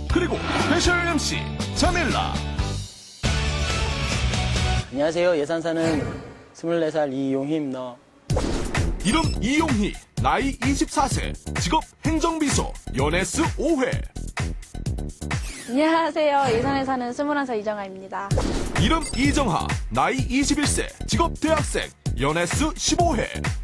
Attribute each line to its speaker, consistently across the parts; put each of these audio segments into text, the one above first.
Speaker 1: 그리고 스페셜 MC 자밀라.
Speaker 2: 안녕하세요. 예산 사는 24살 이용희입니다.
Speaker 1: 이름 이용희, 나이 24세, 직업 행정비서, 연애수 5회.
Speaker 3: 안녕하세요. 예산에 사는 21살 이정아입니다.
Speaker 1: 이름 이정하, 나이 21세, 직업 대학생, 연애수 15회.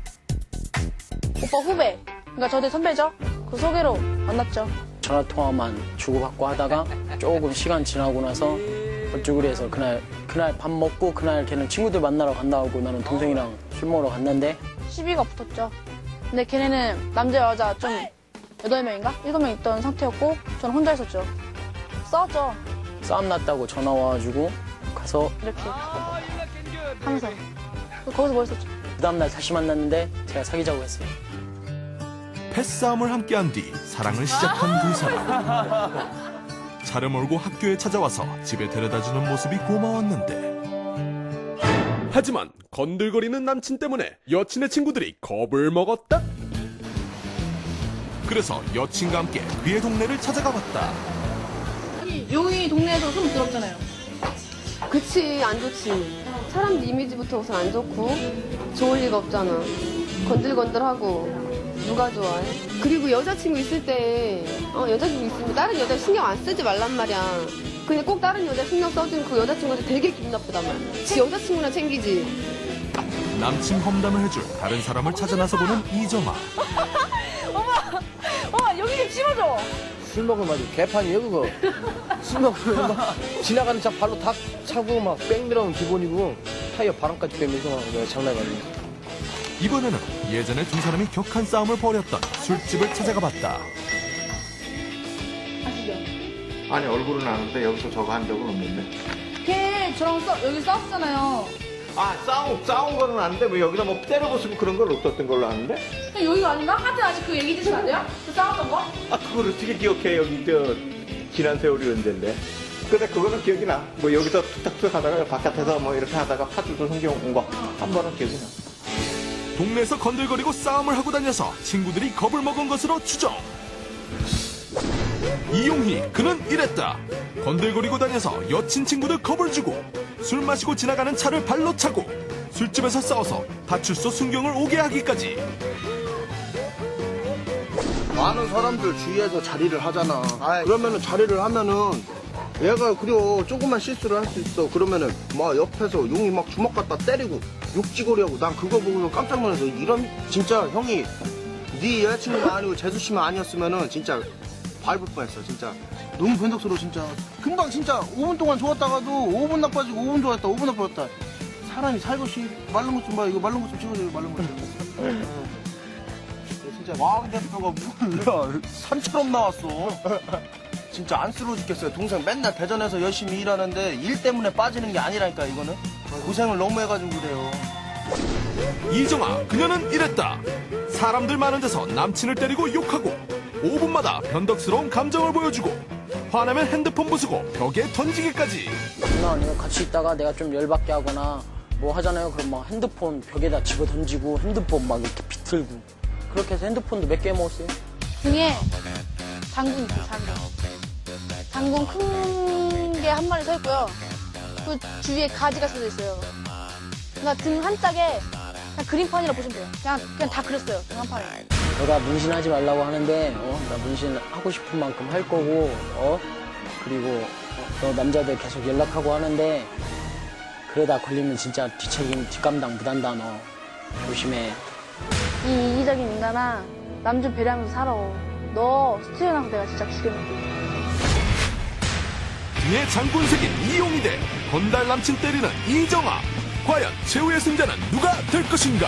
Speaker 3: 오빠 후배. 그러니까 저도 선배죠. 그 소개로 만났죠.
Speaker 2: 전화통화만 주고받고 하다가 조금 시간 지나고 나서 어쩌구리 해서 그날 밥 먹고 그날 걔는 친구들 만나러 간다고 나는 동생이랑 술 먹으러 갔는데
Speaker 3: 시비가 붙었죠. 근데 걔네는 남자 여자 좀 8명인가? 7명 있던 상태였고 저는 혼자 있었죠. 싸웠죠.
Speaker 2: 싸움 났다고 전화 와가지고 가서
Speaker 3: 이렇게 하면서 거기서 뭐 했었죠.
Speaker 2: 그 다음날 다시 만났는데 제가 사귀자고 했어요.
Speaker 1: 패싸움을 함께한 뒤 사랑을 시작한 두 사람. 차를 몰고 학교에 찾아와서 집에 데려다주는 모습이 고마웠는데, 하지만 건들거리는 남친 때문에 여친의 친구들이 겁을 먹었다. 그래서 여친과 함께 그의 동네를 찾아가 봤다.
Speaker 3: 여기 동네에서 좀 부럽잖아요.
Speaker 4: 그치, 안 좋지. 사람들 이미지부터 우선 안 좋고 좋을 리가 없잖아. 건들건들하고 누가 좋아해? 그리고 여자친구 있을 때 여자친구 있으면 다른 여자 신경 안 쓰지 말란 말이야. 근데 꼭 다른 여자 신경 써주면 그 여자친구한테 되게 기분 나쁘단 말이야. 지 여자친구나 챙기지.
Speaker 1: 남친 험담을 해줄 다른 사람을 찾아 나서 보는 이정아.
Speaker 3: 여기 좀 심어줘.
Speaker 5: 술 먹으면 아주 개판이에요 그거. 술 먹으면 막 지나가는 차 발로 다 차고 막 뺑 들어오면 기본이고 타이어 바람까지 빼면서 내가 장난이 아니야.
Speaker 1: 이번에는 예전에 두 사람이 격한 싸움을 벌였던 술집을 찾아가 봤다.
Speaker 6: 아니 얼굴은 아는데 여기서 저거 한 적은 없는데.
Speaker 3: 걔 저랑 여기 싸웠잖아요.
Speaker 6: 아 싸운 거는 아는데 뭐 여기다 뭐 때려부수고 그런 건 없었던 걸로 아는데.
Speaker 3: 여기가 아닌가? 하여튼 아직 그 얘기 드시면 안 돼요? 그 싸웠던 거?
Speaker 6: 아 그걸 어떻게 기억해? 여기 저 지난 세월이 언젠데. 근데 그거는 기억이 나. 뭐 여기서 툭탁툭 하다가 바깥에서 뭐 이렇게 하다가 파주도 생겨 온 거 한 번은 기억이 나.
Speaker 1: 동네에서 건들거리고 싸움을 하고 다녀서 친구들이 겁을 먹은 것으로 추정. 이용희, 그는 이랬다. 건들거리고 다녀서 여친 친구들 겁을 주고 술 마시고 지나가는 차를 발로 차고 술집에서 싸워서 파출소 순경을 오게 하기까지.
Speaker 5: 많은 사람들 주위에서 자리를 하잖아. 그러면은 자리를 하면은 얘가 그려 조금만 실수를 할 수 있어. 그러면은 막 옆에서 용이 막 주먹 갖다 때리고 욕지거리하고 난 그거 보고서 깜짝 놀라서 이런 진짜 형이 네 여자친구가 아니고 재수 씨만 아니었으면은 진짜 밟을 뻔했어 진짜. 너무 변덕스러워 진짜. 금방 진짜 5분 동안 좋았다가도 5분 나빠지고 5분 좋았다 5분 나빠졌다. 사람이 살것이 마른 것 좀 봐. 이거 마른 것 좀 찍어줘. 마른 것 좀. 진짜 왕 대표가 뭐야 산처럼 나왔어. 진짜 안쓰러워 죽겠어요. 동생 맨날 대전에서 열심히 일하는데 일 때문에 빠지는 게 아니라니까 이거는. 고생을 너무 해가지고 그래요.
Speaker 1: 이정아, 그녀는 이랬다. 사람들 많은 데서 남친을 때리고 욕하고 5분마다 변덕스러운 감정을 보여주고 화나면 핸드폰 부수고 벽에 던지기까지.
Speaker 2: 장난 아니에요. 같이 있다가 내가 좀 열받게 하거나 뭐 하잖아요. 그럼 막 핸드폰 벽에다 집어 던지고 핸드폰 막 이렇게 비틀고 그렇게 해서 핸드폰도 몇 개 먹었어요.
Speaker 3: 등에 장군 있어요, 장군 큰 게 한 마리 서 있고요. 그 주위에 가지가 써져 있어요. 그러니까 등 한 짝에 그냥 그림판이라 보시면 돼요. 그냥 다 그렸어요, 등 한 판에.
Speaker 2: 너가 문신하지 말라고 하는데 나 문신 하고 싶은 만큼 할 거고 그리고 너 남자들 계속 연락하고 하는데 그러다 걸리면 진짜 뒷책임 뒷감당 못한다. 너 조심해.
Speaker 3: 이 이기적인 인간아, 남 좀 배려하면서 살아. 너 스튜디오 나서 내가 진짜 죽여놓을게.
Speaker 1: 등에 장군 새긴 이용희 대 건달 남친 때리는 이정아. 과연 최후의 승자는 누가 될 것인가?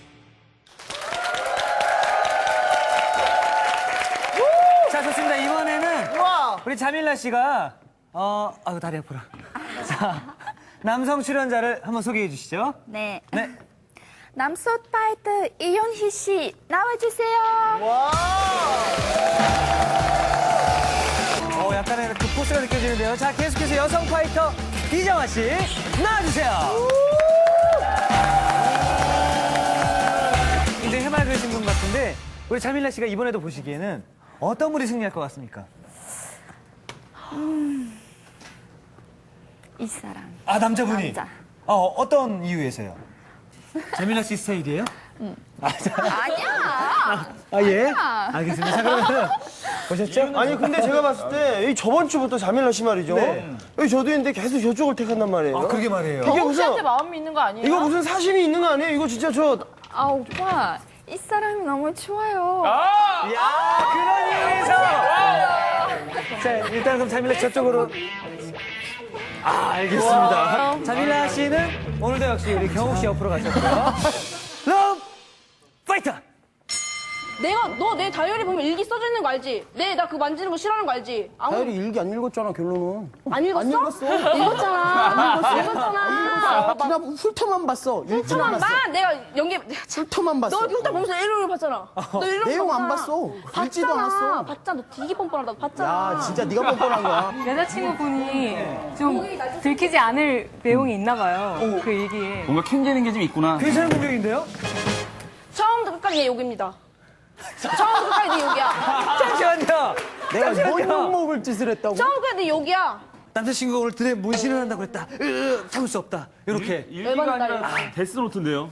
Speaker 7: 자, 좋습니다. 이번에는 우리 자밀라 씨가 아유 다리 아프라. 자, 남성 출연자를 한번 소개해 주시죠.
Speaker 8: 네.
Speaker 7: 네.
Speaker 8: 남소 파이터 이용희 씨 나와주세요.
Speaker 7: 약간의 그 포스가 느껴지는데요. 자, 계속해서 여성 파이터 이정아 씨 나와주세요. 굉장히 해맑으신 분 같은데 우리 자밀라 씨가 이번에도 보시기에는 어떤 분이 승리할 것 같습니까?
Speaker 8: 이 사람.
Speaker 7: 아, 남자분이?
Speaker 8: 남자.
Speaker 7: 어떤 이유에서요? 재민아 씨 스타일이에요?
Speaker 8: 아니야.
Speaker 7: 아, 예? 알겠습니다. 자, 그러면 보셨죠?
Speaker 9: 아니 근데 제가 봤을 때 이 저번 주부터 자밀라 씨 말이죠.
Speaker 7: 네.
Speaker 9: 여기 저도 있는데 계속 저쪽을 택한단 말이에요.
Speaker 7: 아, 그러게 말이에요.
Speaker 9: 이게 무슨
Speaker 10: 마음이 있는 거 아니에요?
Speaker 9: 이거 무슨 사심이 있는 거 아니에요? 이거 진짜 저
Speaker 8: 아, 오빠. 이 사람이 너무 좋아요.
Speaker 7: 야, 그런 이유에서! 자, 일단 그럼 자밀라 씨 저쪽으로. 아, 알겠습니다. 자밀라 씨는 오늘도 역시 우리 경욱 씨 옆으로 가셨고요. 러브 파이터!
Speaker 3: 내가 너 내 다이어리 보면 일기 써져 있는 거 알지? 나 그거 만지는 거 싫어하는 거 알지?
Speaker 5: 다이어리 일기 안 읽었잖아, 결론은.
Speaker 3: 안 읽었어? 읽었잖아. 읽었잖아.
Speaker 5: 나 훑어만 봤어. 읽지는 않았어.
Speaker 3: 내가 연기
Speaker 5: 훑어만 봤어.
Speaker 3: 너 흉터 보면서 일요일 봤잖아. 너 일요일
Speaker 5: 내용 안
Speaker 3: 봤잖아.
Speaker 5: 봤어. 읽지도 않았어.
Speaker 3: 봤잖아. 너 되게 뻔뻔하다고 봤잖아.
Speaker 5: 야, 진짜 네가 뻔뻔한 거야.
Speaker 10: 여자친구분이 좀 들키지 않을 내용이 있나 봐요. 그 얘기에.
Speaker 11: 뭔가 캥기는 게 좀 있구나.
Speaker 7: 괜찮은 공격인데요?
Speaker 3: 처음부터 끝까지 내 욕입니다. 처음부터 끝까지 내 욕이야.
Speaker 7: 잠시만요.
Speaker 5: 내가 뭔 욕먹을 짓을 했다고?
Speaker 3: 처음부터 끝까지 내 욕이야.
Speaker 7: 남자친구가 오늘 드레 문신을 한다고 그랬다. 참을 수 없다. 이렇게.
Speaker 11: 일기가 아니라 데스노트인데요.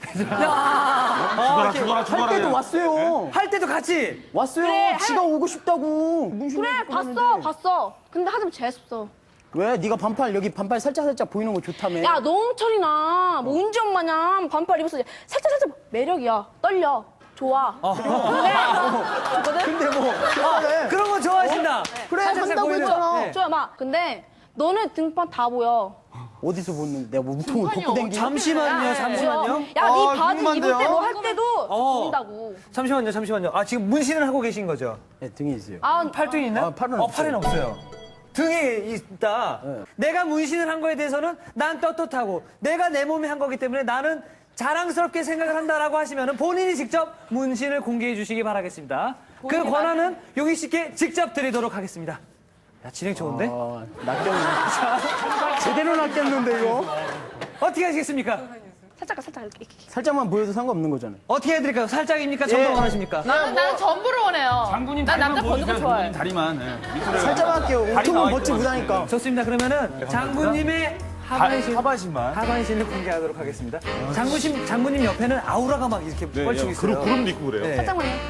Speaker 5: 할 때도 왔어요.
Speaker 7: 할 때도 같이.
Speaker 5: 왔어요.
Speaker 3: 그래,
Speaker 5: 지가 오고 싶다고. 문신을
Speaker 3: 그래
Speaker 5: 입고 갔는데.
Speaker 3: 봤어. 근데 하자면 재수없어.
Speaker 5: 왜? 네가 반팔 여기 반팔 살짝 보이는 거 좋다며.
Speaker 3: 야 노홍철이나 뭐 은지 엄마냐 반팔 입어서 살짝 매력이야. 떨려. 좋아. 그래. 좋거든?
Speaker 5: 근데 뭐
Speaker 7: 그런 거 좋아하신다.
Speaker 5: 그래
Speaker 7: 살짝
Speaker 5: 한다고
Speaker 7: 보이는.
Speaker 5: 했잖아.
Speaker 7: 네.
Speaker 3: 좋아 막 근데 너는 등판 다 보여.
Speaker 5: 어디서 보는데 내가 뭐 우통을 벗고 댕기는
Speaker 7: 잠시만요. 잠시만요.
Speaker 3: 야, 네 바지 입을
Speaker 9: 궁금한데요?
Speaker 3: 때 뭐 할 때도 보인다고.
Speaker 7: 잠시만요. 아, 지금 문신을 하고 계신 거죠?
Speaker 5: 네, 등에 있어요.
Speaker 7: 팔뚝이 있나요?
Speaker 5: 아, 팔은
Speaker 7: 팔은 없어요. 등에 있다.
Speaker 5: 네.
Speaker 7: 내가 문신을 한 거에 대해서는 난 떳떳하고 내가 내 몸에 한 거기 때문에 나는 자랑스럽게 생각을 한다라고 하시면 본인이 직접 문신을 공개해 주시기 바라겠습니다. 그 권한은 용희 씨께 직접 드리도록 하겠습니다. 야, 진행 좋은데?
Speaker 5: 낚였네. 제대로 낚였는데 이거.
Speaker 7: 어떻게 하시겠습니까?
Speaker 3: 살짝 이렇게.
Speaker 5: 살짝만 보여도 상관없는 거잖아.
Speaker 7: 어떻게 해드릴까요? 살짝입니까? 전부 원하십니까?
Speaker 10: 나는 전부를 원해요.
Speaker 11: 장군님
Speaker 10: 난
Speaker 11: 다리만
Speaker 10: 남자
Speaker 11: 보여주세요.
Speaker 10: 번도 좋아해.
Speaker 11: 장군님 다리만. 네. 밑으로
Speaker 5: 살짝만 할게요.
Speaker 11: 다리 나와
Speaker 5: 우통은 벗지
Speaker 11: 있고.
Speaker 5: 못하니까.
Speaker 7: 좋습니다. 그러면은 장군님의
Speaker 11: 하반신만.
Speaker 7: 하반신을 공개하도록 하겠습니다. 장군님 옆에는 아우라가 막 이렇게 뻘치고 있어요.
Speaker 11: 구름도 있고 그래요.
Speaker 7: 네.
Speaker 3: 살짝만 해.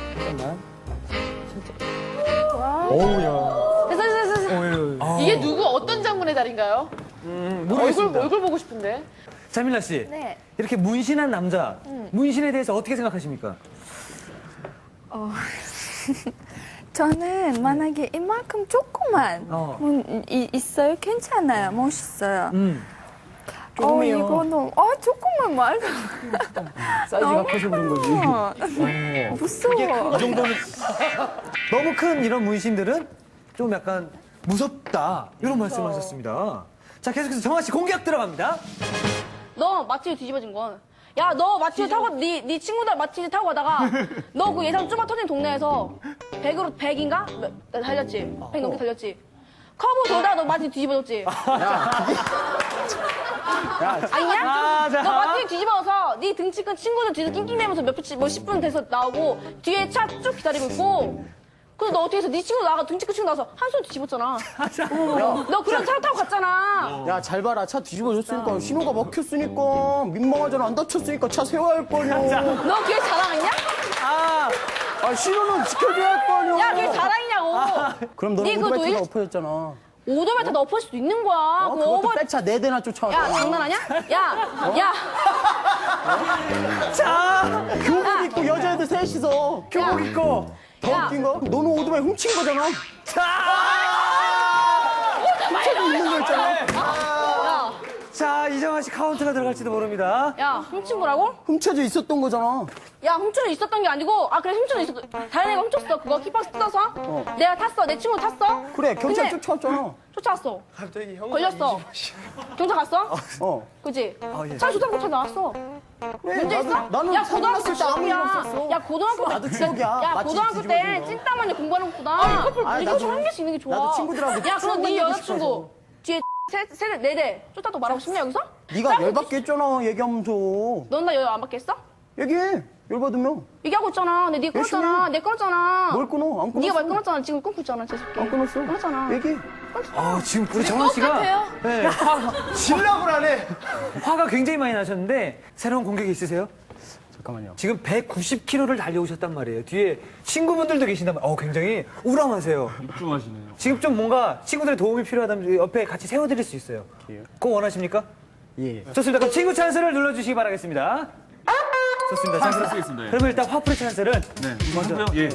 Speaker 3: 됐어.
Speaker 10: 이게 누구 어떤 장군의 다리인가요? 얼굴 보고 싶은데.
Speaker 7: 자밀라 씨,
Speaker 8: 네.
Speaker 7: 이렇게 문신한 남자, 문신에 대해서 어떻게 생각하십니까?
Speaker 8: 저는 만약에 이만큼 조그만 있어요. 괜찮아요. 멋있어요.
Speaker 5: 조금해요.
Speaker 8: 이거는 조금만 말고.
Speaker 5: 사이즈가 커서 그런 거지.
Speaker 8: 무서워.
Speaker 7: 이 정도는 너무 큰 이런 문신들은 좀 약간 무섭다 이런 말씀하셨습니다. 자, 계속해서 정아 씨 공격 들어갑니다.
Speaker 3: 너 마티즈 뒤집어진 건. 야, 너 마티즈 타고 네 친구들 마티즈 타고 가다가 너 그 예상 쭈마 터진 동네에서 100인가? 달렸지. 100 넘게 달렸지. 커브 돌다가 너 마티즈 뒤집어졌지. 아니냐?
Speaker 7: 자.
Speaker 3: 너 마티즈 뒤집어서 네 등치 큰 친구들 뒤에서 낑낑대면서 뭐 10분 돼서 나오고 뒤에 차 쭉 기다리고 있고. 그래서 너 어떻게 해서 네 친구 나가 등치 큰 친구 나와서 한 손 뒤집었잖아. 너 그런 차 타고 갔잖아.
Speaker 5: 야, 잘 봐라. 차 뒤집어졌으니까 신호가 막혔으니까 민망하잖아. 안 다쳤으니까 차 세워야 할 거 아니야.
Speaker 3: 너 그게 자랑이냐?
Speaker 5: 아, 신호는 지켜줘야 할 거 아니야.
Speaker 3: 야, 그게 자랑이냐고.
Speaker 5: 그럼 너는
Speaker 3: 네, 그거
Speaker 5: 오토바이가
Speaker 3: 일-
Speaker 5: 엎어졌잖아.
Speaker 3: 오토바이 다 엎을 수도 있는 거야. 그
Speaker 5: 그것도
Speaker 3: 오버...
Speaker 5: 백차 4대나 쫓아왔잖아.
Speaker 3: 야, 장난하냐? 야.
Speaker 7: 자,
Speaker 5: 교복 입고 여자애들 셋이서
Speaker 7: 교복 입고.
Speaker 5: 더
Speaker 3: 야.
Speaker 5: 웃긴 거? 너는 오토바이 훔친 거잖아. 훔쳐도 있는 거 있잖아.
Speaker 7: 자, 이정아 씨 카운트가 들어갈지도 모릅니다.
Speaker 3: 야, 훔친 거라고?
Speaker 5: 훔쳐져 있었던 거잖아.
Speaker 3: 야, 훔쳐는 있었던 게 아니고, 그래, 훔쳐는 있었어. 다른 애가 훔쳤어. 그거 키박스 뜯어서. 내가 탔어. 내 친구 탔어.
Speaker 5: 그래, 경찰
Speaker 3: 근데
Speaker 5: 쫓아왔잖아.
Speaker 3: 쫓아왔어. 걸렸어. 경찰 갔어? 그지? 차 조사받고 차 나왔어. 문제 있어?
Speaker 5: 나는
Speaker 3: 야, 고등학교
Speaker 5: 때 아무 일
Speaker 3: 추억이야.
Speaker 5: 없었어.
Speaker 3: 야, 고등학교 때.
Speaker 5: 나도 추억이야.
Speaker 3: 야,
Speaker 5: 마치
Speaker 3: 고등학교 때
Speaker 5: 뒤집어진 거.
Speaker 3: 찐따만이 공부하는 것보다. 커플
Speaker 5: 아니,
Speaker 3: 이거
Speaker 5: 나도-
Speaker 3: 좀 한 개씩 있는 게 좋아.
Speaker 5: 나도 친구들하고
Speaker 3: 야, 그럼
Speaker 5: 추억
Speaker 3: 네
Speaker 5: 만들고
Speaker 3: 여자친구 뒤에 세대 4대 쫓았다고 말하고 싶냐, 여기서?
Speaker 5: 네가 열받게 했잖아, 얘기하면서.
Speaker 3: 넌 나 여자 안 받겠어?
Speaker 5: 얘기해.
Speaker 9: 열받으면.
Speaker 4: 얘기하고 있잖아. 근데 네가
Speaker 9: 열심히
Speaker 4: 끊었잖아. 내가 끊었잖아.
Speaker 9: 뭘 끊어? 안 끊었어.
Speaker 4: 네가 말 끊었잖아. 지금 끊고 있잖아. 재수없게.
Speaker 9: 안 끊었어.
Speaker 4: 끊었잖아.
Speaker 9: 얘기해.
Speaker 7: 지금 우리 정원 씨가
Speaker 3: 똑같아요.
Speaker 7: 네,
Speaker 9: 진락을 안 해.
Speaker 7: 화가 굉장히 많이 나셨는데 새로운 공격이 있으세요?
Speaker 9: 잠깐만요.
Speaker 7: 지금 190km를 달려오셨단 말이에요. 뒤에 친구분들도 계신단 말이에요. 굉장히 우람하세요.
Speaker 11: 집중하시네요.
Speaker 7: 지금 좀 뭔가 친구들의 도움이 필요하다면 옆에 같이 세워드릴 수 있어요. 그거 원하십니까?
Speaker 9: 예.
Speaker 7: 좋습니다. 그럼 친구 찬스를 눌러주시기 바라겠습니다. 좋습니다. 자,
Speaker 11: 찬스 쓰겠습니다. 예.
Speaker 7: 그러면 일단 화풀이 찬스를
Speaker 11: 네.
Speaker 7: 먼저.
Speaker 11: 하고요. 예.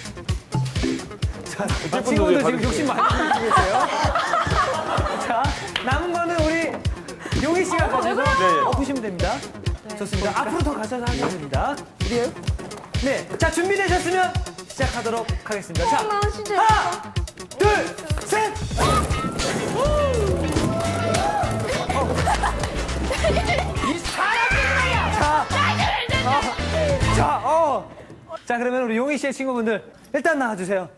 Speaker 7: 자, 친구들 지금 욕심 많이 내고 계세요. 자, 남은 거는 우리 용희 씨가 가셔서 엎으시면 됩니다. 좋습니다. 앞으로 더 가셔서 하시면 됩니다.
Speaker 9: 그래요?
Speaker 7: 네. 자, 준비되셨으면 시작하도록 하겠습니다. 자,
Speaker 3: 나 진짜
Speaker 7: 하나, 둘, 셋! 자, 그러면 우리 용희 씨의 친구분들 일단 나와주세요.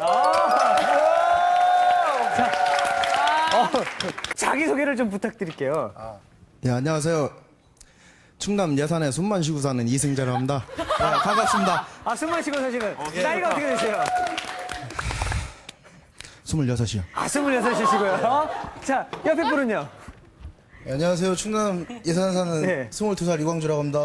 Speaker 7: 자기소개를 좀 부탁드릴게요.
Speaker 5: 네, 안녕하세요. 충남 예산에 숨만 쉬고 사는 이승재라고 합니다. 반갑습니다.
Speaker 7: 숨만 쉬고 사시는 나이가 어떻게 되세요?
Speaker 5: 26이요.
Speaker 7: 26이시고요. 자, 옆에 분은요?
Speaker 5: 안녕하세요. 충남 예산에 사는
Speaker 7: 네.
Speaker 5: 22살 이광주라고 합니다.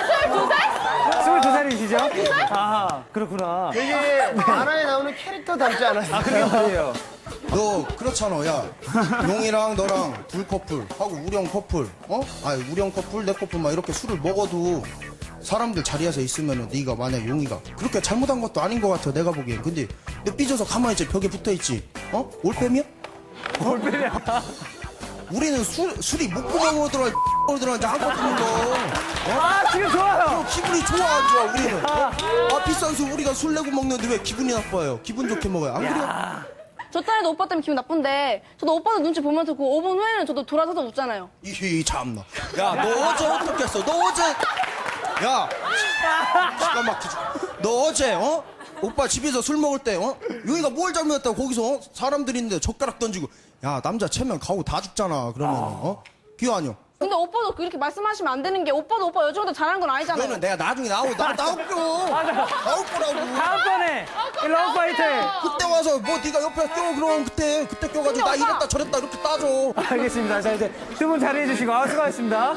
Speaker 7: 22살이시죠? 아, 그렇구나.
Speaker 9: 되게 만화에 나오는 캐릭터 닮지 않아요?
Speaker 7: 그게 말이에요.
Speaker 5: 너 그렇잖아. 야, 용이랑 너랑 둘 커플 하고 우리 형 커플, 우리 형 커플, 내 커플 막 이렇게 술을 먹어도 사람들 자리에서 있으면은 네가 만약 용이가 그렇게 잘못한 것도 아닌 것 같아 내가 보기엔. 근데 너 삐져서 가만히 있지 벽에 붙어 있지. 올빼미야?
Speaker 7: 올빼미야.
Speaker 5: 우리는 술이 목구멍으로 들어가 들어가는데 한컵 푸는 거.
Speaker 7: 지금 좋아요.
Speaker 5: 기분이 좋아 안 좋아 우리는. 비싼 술 우리가 술 내고 먹는데 왜 기분이 나빠요? 기분 좋게 먹어요. 안 그래요?
Speaker 3: 저 딸도 오빠 때문에 기분 나쁜데 저도 오빠도 눈치 보면서 그 5분 후에는 저도 돌아서서 웃잖아요.
Speaker 5: 이 참나. 야, 너 어제 어떻게 했어? 너 어제 야, 시간 막히지. 너 어제 오빠 집에서 술 먹을 때 용이가 뭘 잘못했다고 거기서 사람들이 있는데 젓가락 던지고 야 남자 체면 가고 다 죽잖아 그러면 기어 아니요.
Speaker 3: 근데 오빠도 그렇게 말씀하시면 안 되는 게 오빠도 오빠 여자보다 잘하는 건 아니잖아요.
Speaker 5: 그거는 내가 나중에 나올 거라고.
Speaker 7: 다음번에 러브파이트.
Speaker 5: 그때 와서 뭐 네가 옆에 껴 그럼 그때 껴가지고 나 이랬다 저랬다 이렇게 따져.
Speaker 7: 알겠습니다. 자, 이제 두 분 자리해 주시고 수고하셨습니다.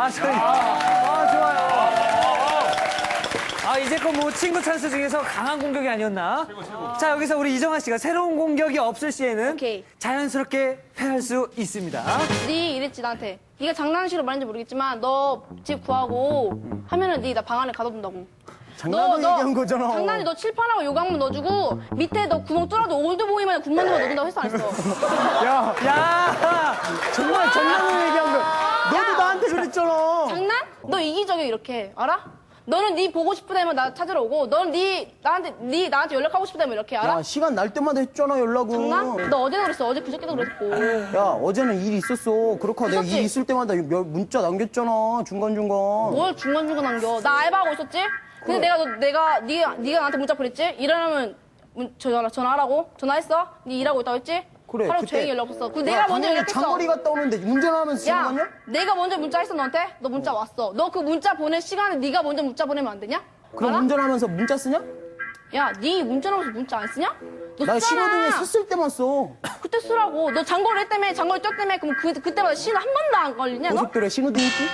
Speaker 7: 좋아요. 이제껏 뭐 친구 찬스 중에서 강한 공격이 아니었나? 자, 여기서 우리 이정아 씨가 새로운 공격이 없을 시에는
Speaker 3: 오케이.
Speaker 7: 자연스럽게 패할 수 있습니다.
Speaker 3: 네 이랬지 나한테. 네가 장난식으로 말했는지 모르겠지만 너 집 구하고 하면은 네 나 방 안에 가둬둔다고.
Speaker 9: 장난으로 얘기한 거잖아.
Speaker 3: 장난이 너 칠판하고 요강문 넣어주고 밑에 너 구멍 뚫어도 올드보이만 군만두만 넣어준다고 했어 안 했어?
Speaker 7: 야,
Speaker 9: 정말 장난으로 얘기한 거. 너도 나한테 그랬잖아.
Speaker 3: 장난? 너 이기적이야 이렇게 알아? 너는 네 보고 싶으다면 나 찾으러 오고 너는 나한테 연락하고 싶다면 이렇게 알아?
Speaker 9: 야, 시간 날 때마다 했잖아, 연락은.
Speaker 3: 장난? 너 어제도 그랬어. 어제 그저께도 그랬고.
Speaker 9: 야, 어제는 일이 있었어. 그렇고 내가
Speaker 3: 있었지?
Speaker 9: 일 있을 때마다 문자 남겼잖아, 중간중간.
Speaker 3: 뭘 중간중간 남겨. 나 알바하고 있었지? 근데 네가 나한테 문자 보냈지? 일하려면 전화하라고? 전화했어? 네 일하고 있다고 했지?
Speaker 9: 그래,
Speaker 3: 하루
Speaker 9: 그때-
Speaker 3: 종일 연락 없었어. 내가 먼저 연락했어.
Speaker 9: 장거리 갔다 오는데 운전하면서 지금
Speaker 3: 야,
Speaker 9: 갔냐?
Speaker 3: 내가 먼저 문자했어 너한테? 너 문자 왔어. 너 그 문자 보낼 시간에 네가 먼저 문자 보내면 안 되냐?
Speaker 9: 그럼
Speaker 3: 알아?
Speaker 9: 운전하면서 문자 쓰냐?
Speaker 3: 야, 네 운전하면서 문자 안 쓰냐? 너
Speaker 9: 나
Speaker 3: 쓰잖아.
Speaker 9: 신호등에 섰을 때만 써.
Speaker 3: 그때 쓰라고. 너 장거리 때문에 장거리 뛰었 때문에 그럼 그때마다 신호 한 번도 안 걸리냐 너?
Speaker 9: 고속도로에 신호등 있지?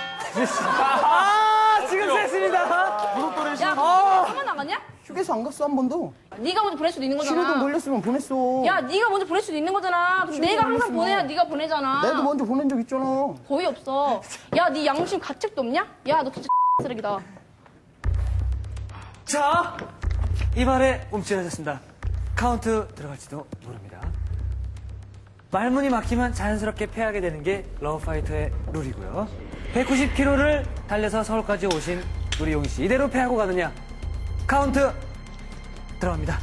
Speaker 7: 지금 셌습니다.
Speaker 3: 야, 한 번도 안 갔냐?
Speaker 9: 휴게소 안 갔어, 한 번도.
Speaker 3: 네가 먼저 보낼 수도 있는 거잖아.
Speaker 9: 신호등 걸렸으면 보냈어.
Speaker 3: 야, 네가 먼저 보낼 수도 있는 거잖아. 그럼 내가 항상
Speaker 9: 보냈으면.
Speaker 3: 보내야 네가 보내잖아.
Speaker 9: 나도 먼저 보낸 적 있잖아.
Speaker 3: 거의 없어. 야, 네 양심 가책도 없냐? 야, 너 진짜 쓰레기다.
Speaker 7: 자, 이 말에 움찔하셨습니다. 카운트 들어갈지도 모릅니다. 말문이 막히면 자연스럽게 패하게 되는 게 러브파이터의 룰이고요. 190km를 달려서 서울까지 오신 우리 용희 씨. 이대로 패하고 가느냐? 카운트 들어갑니다.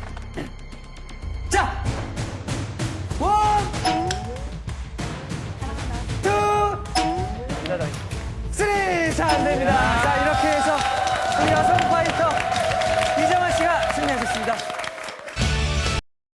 Speaker 7: 자! 1, 2, 3! 자, 안 됩니다.